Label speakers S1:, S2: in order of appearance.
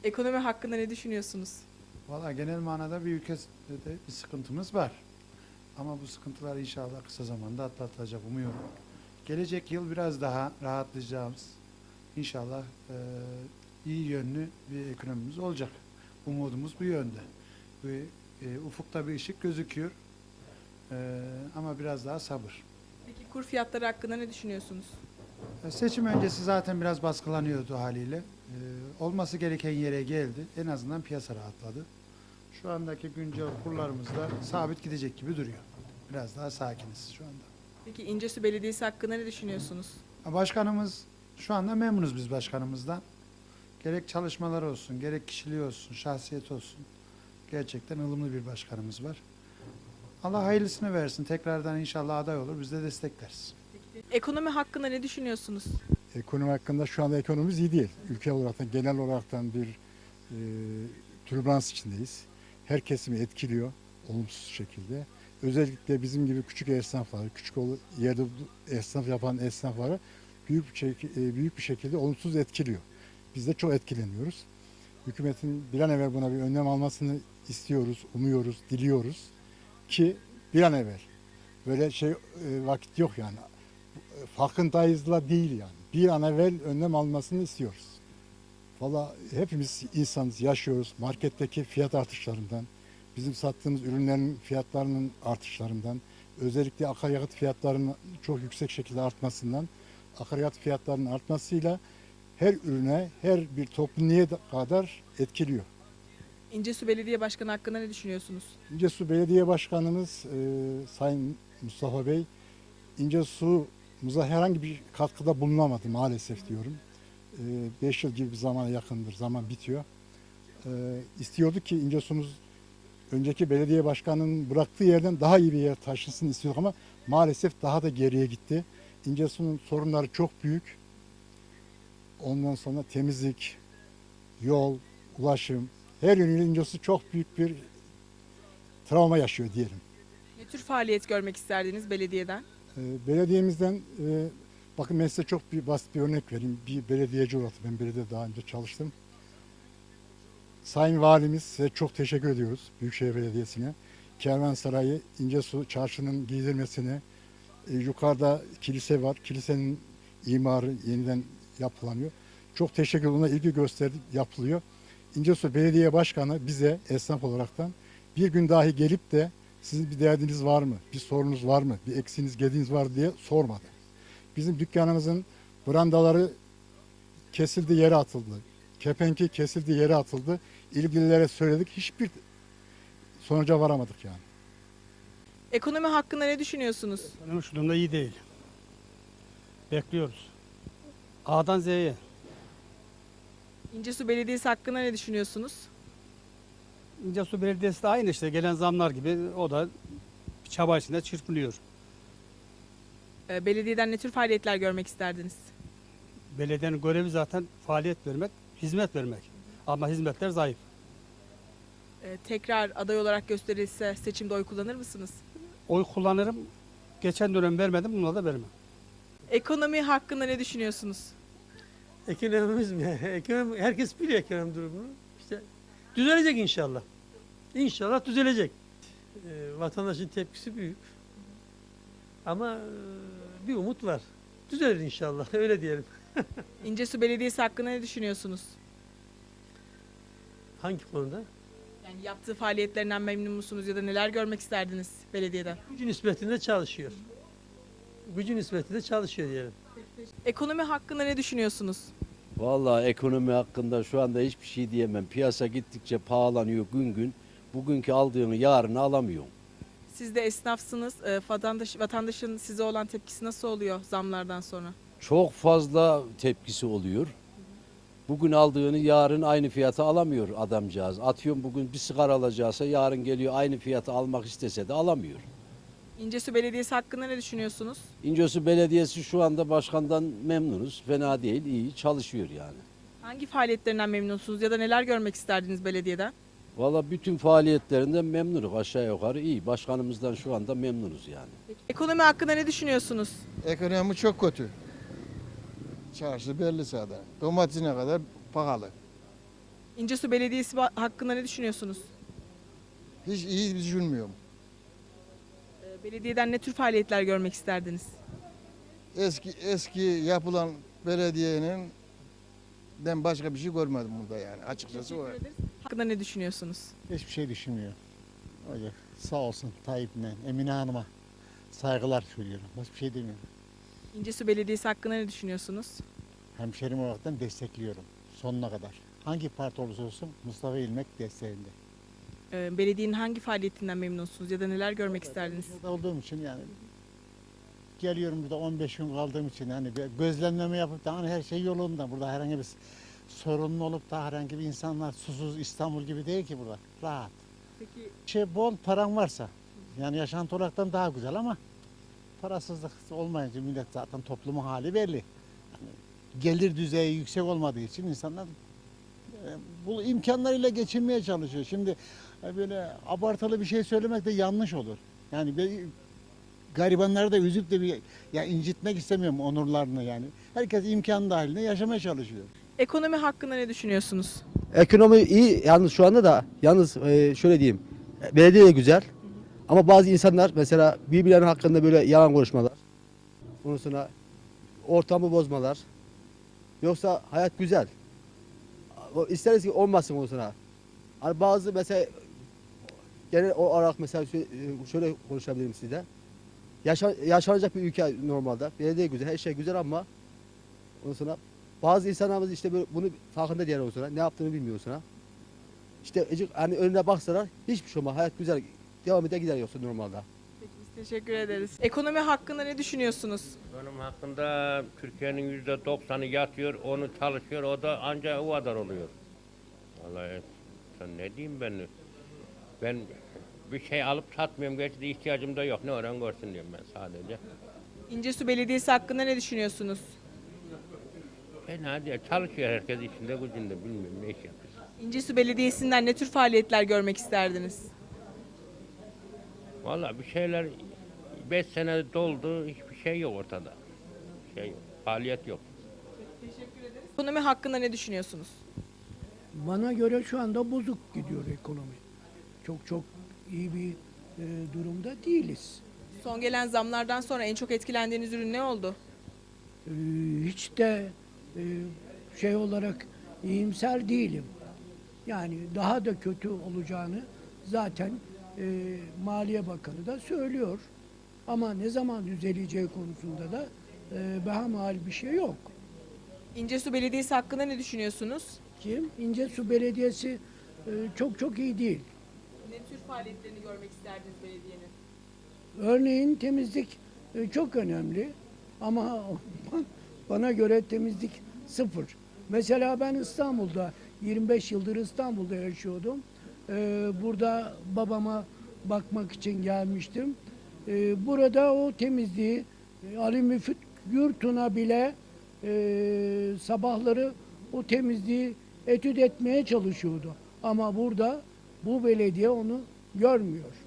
S1: Ekonomi hakkında ne düşünüyorsunuz?
S2: Valla genel manada bir ülkede bir sıkıntımız var. Ama bu sıkıntılar inşallah kısa zamanda atlatılacak umuyorum. Gelecek yıl biraz daha rahatlayacağımız, inşallah iyi yönlü bir ekonomimiz olacak. Umudumuz bu yönde. Ufukta bir ışık gözüküyor. Ama biraz daha sabır.
S1: Peki kur fiyatları hakkında ne düşünüyorsunuz?
S2: Seçim öncesi zaten biraz baskılanıyordu haliyle. Olması gereken yere geldi. En azından piyasa rahatladı. Şu andaki güncel kurlarımız da sabit gidecek gibi duruyor. Biraz daha sakiniz şu anda.
S1: Peki İncesu Belediyesi hakkında ne düşünüyorsunuz?
S2: Başkanımız, şu anda memnunuz biz başkanımızdan. Gerek çalışmaları olsun, gerek kişiliği olsun, şahsiyeti olsun. Gerçekten ılımlı bir başkanımız var. Allah hayırlısını versin. Tekrardan inşallah aday olur. Biz de destekleriz.
S1: Ekonomi hakkında ne düşünüyorsunuz?
S3: Ekonomi hakkında şu anda ekonomimiz iyi değil. Ülke olarak genel olaraktan bir türbülans içindeyiz. Her kesimi etkiliyor olumsuz şekilde. Özellikle bizim gibi küçük esnafları, küçük yerde esnaf yapan esnafları büyük bir şekilde olumsuz etkiliyor. Biz de çok etkileniyoruz. Hükümetin bir an evvel buna bir önlem almasını istiyoruz, umuyoruz, diliyoruz ki bir an evvel. Böyle vakit yok yani. Farkındayızla değil yani. Bir an evvel önlem almasını istiyoruz. Valla hepimiz insanız, yaşıyoruz. Marketteki fiyat artışlarından, bizim sattığımız ürünlerin fiyatlarının artışlarından, özellikle akaryakıt fiyatlarının çok yüksek şekilde artmasından, akaryakıt fiyatlarının artmasıyla her ürüne, her bir topluluğa kadar etkiliyor.
S1: İncesu Belediye Başkanı hakkında ne düşünüyorsunuz?
S3: İncesu Belediye Başkanımız Sayın Mustafa Bey, İncesu'muza herhangi bir katkıda bulunamadı maalesef diyorum. 5 yıl gibi bir zamana yakındır, zaman bitiyor. İstiyordu ki İncesu'muz önceki belediye başkanının bıraktığı yerden daha iyi bir yer taşınsın istiyorduk ama maalesef daha da geriye gitti. İncesu'nun sorunları çok büyük. Ondan sonra temizlik, yol, ulaşım, her yönüyle İncesu çok büyük bir travma yaşıyor diyelim.
S1: Ne tür faaliyet görmek isterdiniz belediyeden?
S3: Belediyemizden bakın ben size çok basit bir örnek vereyim. Bir belediyeci olarak ben belediyede daha önce çalıştım. Sayın Valimiz size çok teşekkür ediyoruz Büyükşehir Belediyesi'ne. Kervansarayı, İncesu Çarşı'nın giydirmesine, yukarıda kilise var. Kilisenin imarı yeniden yapılanıyor. Çok teşekkür ederim. Ona ilgi gösterdi, yapılıyor. İncesu Belediye Başkanı bize esnaf olaraktan bir gün dahi gelip de sizin bir derdiniz var mı, bir sorunuz var mı, bir eksiğiniz, gediğiniz var diye sormadı. Bizim dükkanımızın brandaları kesildi, yere atıldı. Kepenki kesildi, yere atıldı. İlgililere söyledik. Hiçbir sonuca varamadık yani.
S1: Ekonomi hakkında ne düşünüyorsunuz?
S4: Ekonomi şu durumda iyi değil. Bekliyoruz. A'dan Z'ye.
S1: İncesu Belediyesi hakkında ne düşünüyorsunuz?
S4: İncesu Belediyesi de aynı işte gelen zamlar gibi o da bir çaba içinde çırpınıyor.
S1: Belediyeden ne tür faaliyetler görmek isterdiniz?
S4: Belediyenin görevi zaten faaliyet vermek, hizmet vermek. Ama hizmetler zayıf.
S1: Tekrar aday olarak gösterilse seçimde oy kullanır mısınız?
S4: Oy kullanırım. Geçen dönem vermedim, buna da vermem.
S1: Ekonomi hakkında ne düşünüyorsunuz?
S5: Ekonomimiz mi? Ekonomi, herkes biliyor ekonomi durumunu. İşte düzelecek inşallah. İnşallah düzelecek. Vatandaşın tepkisi büyük. Ama bir umut var. Düzelir inşallah. Öyle diyelim.
S1: İncesu Belediyesi hakkında ne düşünüyorsunuz?
S5: Hangi konuda?
S1: Yani yaptığı faaliyetlerinden memnun musunuz ya da neler görmek isterdiniz belediyeden?
S5: Gücü nispetinde çalışıyor. Gücü nispetinde çalışıyor diyelim.
S1: Ekonomi hakkında ne düşünüyorsunuz?
S6: Vallahi ekonomi hakkında şu anda hiçbir şey diyemem. Piyasa gittikçe pahalanıyor gün gün. Bugünkü aldığını yarını alamıyorsun.
S1: Siz de esnafsınız. Vatandaşın size olan tepkisi nasıl oluyor zamlardan sonra?
S6: Çok fazla tepkisi oluyor. Bugün aldığını yarın aynı fiyata alamıyor adamcağız. Atıyorum bugün bir sigara alacaksa yarın geliyor aynı fiyata almak istese de alamıyor.
S1: İncesu Belediyesi hakkında ne düşünüyorsunuz?
S6: İncesu Belediyesi şu anda başkandan memnunuz. Fena değil, iyi çalışıyor yani.
S1: Hangi faaliyetlerinden memnunsunuz ya da neler görmek isterdiniz belediyeden?
S6: Vallahi bütün faaliyetlerinden memnunuz aşağı yukarı iyi. Başkanımızdan şu anda memnunuz yani.
S1: Ekonomi hakkında ne düşünüyorsunuz?
S7: Ekonomi çok kötü. Çarşı belli zaten. Domatesine kadar pahalı.
S1: İncesu Belediyesi hakkında ne düşünüyorsunuz?
S7: Hiç iyi düşünmüyorum.
S1: Belediyeden ne tür faaliyetler görmek isterdiniz?
S7: Eski yapılan belediyenin ben başka bir şey görmedim burada yani açıkçası o.
S1: Hakkında ne düşünüyorsunuz?
S8: Hiçbir şey düşünmüyor. Öyle sağ olsun Tayyip'le Emine Hanım'a saygılar söylüyorum. Başka bir şey demiyorum.
S1: İncesu Belediyesi hakkında ne düşünüyorsunuz?
S8: Hemşerim olaraktan destekliyorum sonuna kadar. Hangi parti olursa olsun Mustafa İlmek desteğinde.
S1: Belediyenin hangi faaliyetinden memnunsunuz ya da neler görmek isterdiniz?
S8: Burada olduğum için yani geliyorum burada 15 gün kaldığım için yani bir gözlemleme yapıp da hani her şey yolunda. Burada herhangi bir sorunlu olup da herhangi bir insanlar susuz İstanbul gibi değil ki burada. Rahat.
S1: Peki
S8: Bol paran varsa yani yaşantı olaraktan daha güzel ama parasızlık olmayınca millet zaten toplumun hali belli. Yani gelir düzeyi yüksek olmadığı için insanlar bu imkanlarıyla geçinmeye çalışıyor. Şimdi böyle abartılı bir şey söylemek de yanlış olur. Yani garibanları da üzüp de ya incitmek istemiyorum onurlarını yani. Herkes imkan dahilinde yaşamaya çalışıyor.
S1: ekonomi hakkında ne düşünüyorsunuz?
S9: Ekonomi iyi yalnız şu anda da şöyle diyeyim. Belediye de güzel. Ama bazı insanlar mesela birbirlerinin hakkında böyle yalan konuşmalar. Ondan sonra ortamı bozmalar. Yoksa hayat güzel. İsteriz ki olmasın ondan sonra. Hani bazı mesela genel olarak mesela şöyle konuşabilirim size. Yaşanacak bir ülke normalde. Belediye güzel, her şey güzel ama ondan sonra bazı insanlarımız işte böyle bunu farkında değil ondan sonra. Ne yaptığını bilmiyor sonra. İşte hani önüne baksalar hiçbir şey olmaz. Hayat güzel. Devam eder gider yoksa normalde.
S1: Peki biz teşekkür ederiz. Ekonomi hakkında ne düşünüyorsunuz?
S10: Benim hakkında Türkiye'nin %90'ı yatıyor, onu çalışıyor, o da ancak o kadar oluyor. Vallahi sen ne diyeyim ben? Ben bir şey alıp satmıyorum, gerçi de ihtiyacım da yok. Ne öğren görsün diyorum ben sadece.
S1: İncesu Belediyesi hakkında ne düşünüyorsunuz?
S10: Fena değil, çalışıyor herkes işinde gücünde, bilmiyorum ne iş yapıyor.
S1: İncesu Belediyesi'nden ne tür faaliyetler görmek isterdiniz?
S10: Vallahi bir şeyler 5 sene doldu, hiçbir şey yok ortada. Şey yok, faaliyet yok.
S1: Ekonomi hakkında ne düşünüyorsunuz?
S11: Bana göre şu anda bozuk gidiyor ekonomi. Çok iyi bir durumda değiliz.
S1: Son gelen zamlardan sonra en çok etkilendiğiniz ürün ne oldu?
S11: Hiç de şey olarak iyimser değilim. Yani daha da kötü olacağını zaten Maliye Bakanı da söylüyor. Ama ne zaman düzeleceği konusunda da behamal bir şey yok.
S1: İncesu Belediyesi hakkında ne düşünüyorsunuz?
S11: İncesu Belediyesi çok iyi değil.
S1: Ne tür faaliyetlerini görmek isterdiniz belediyenin?
S11: Örneğin temizlik çok önemli ama bana göre temizlik sıfır. Mesela ben İstanbul'da 25 yıldır İstanbul'da yaşıyordum. Burada babama bakmak için gelmiştim. Burada o temizliği Ali Müfit Yurtuna bile sabahları o temizliği etüt etmeye çalışıyordu. Ama burada bu belediye onu görmüyor.